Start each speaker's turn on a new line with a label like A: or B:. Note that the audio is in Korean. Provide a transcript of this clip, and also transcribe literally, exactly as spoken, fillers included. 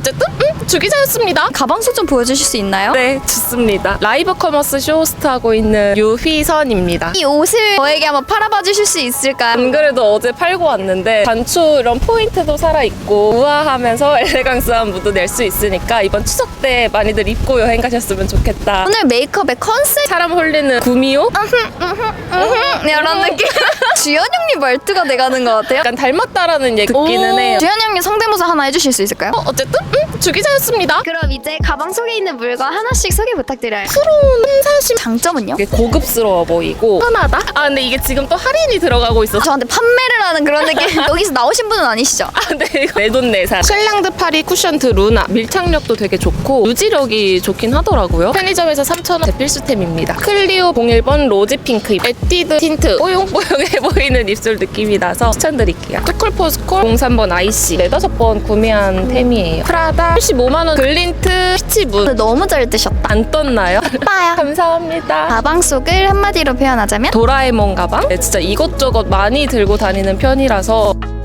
A: 어쨌든 음, 주기자였습니다.
B: 가방 속 좀 보여주실 수 있나요?
A: 네, 좋습니다. 라이브 커머스 쇼호스트하고 있는 유휘선입니다.
B: 이 옷을 저에게 한번 팔아봐 주실 수 있을까요?
A: 안 그래도 어제 팔고 왔는데 단추 이런 포인트도 살아있고 우아하면서 엘레강스한 무드 낼 수 있으니까 이번 추석 때 많이들 입고 여행 가셨으면 좋겠다.
B: 오늘 메이크업의 컨셉
A: 사람 홀리는 구미호?
B: 이런 느낌. 주연 형님 말투가 돼가는 것 같아요.
A: 약간 닮았다라는 얘기 듣기는 해요.
B: 주연 형님 성대모사 하나 해주실 수 있을까요?
A: 어, 어쨌든 음, 주기자였습니다.
B: 그럼 이제 가방 속에 있는 물건 하나씩 소개 부탁드려요.
A: 프로는 사실
B: 장점은요?
A: 이게 고급스러워 보이고 편하다? 아 근데 이게 지금 또 할인이 들어가고 있어서
B: 저한테 판매를 하는 그런 느낌. 여기서 나오신 분은 아니시죠?
A: 아, 네, 이거 내돈내산. 쉘랑드 파리 쿠션트 루나 밀착력도 되게 좋고 유지력이 좋긴 하더라고요. 편의점에서 삼천 원 필수템입니다. 클리오 공일 번 로지 핑크 에뛰드 틴트 뽀용뽀용해 보이는 입술 느낌이 나서 추천드릴게요. 투쿨포스콜 공삼 번 아이씨 네다섯 번 구매한 템이에요. 프라다 팔십오만 원 글린트 피치문
B: 너무 잘 뜨셨다.
A: 안 떴나요?
B: 빠야.
A: 감사합니다.
B: 가방 속을 한마디로 표현하자면
A: 도라에몽 가방? 네, 진짜 이것저것 많이 들고 다니는 편이라서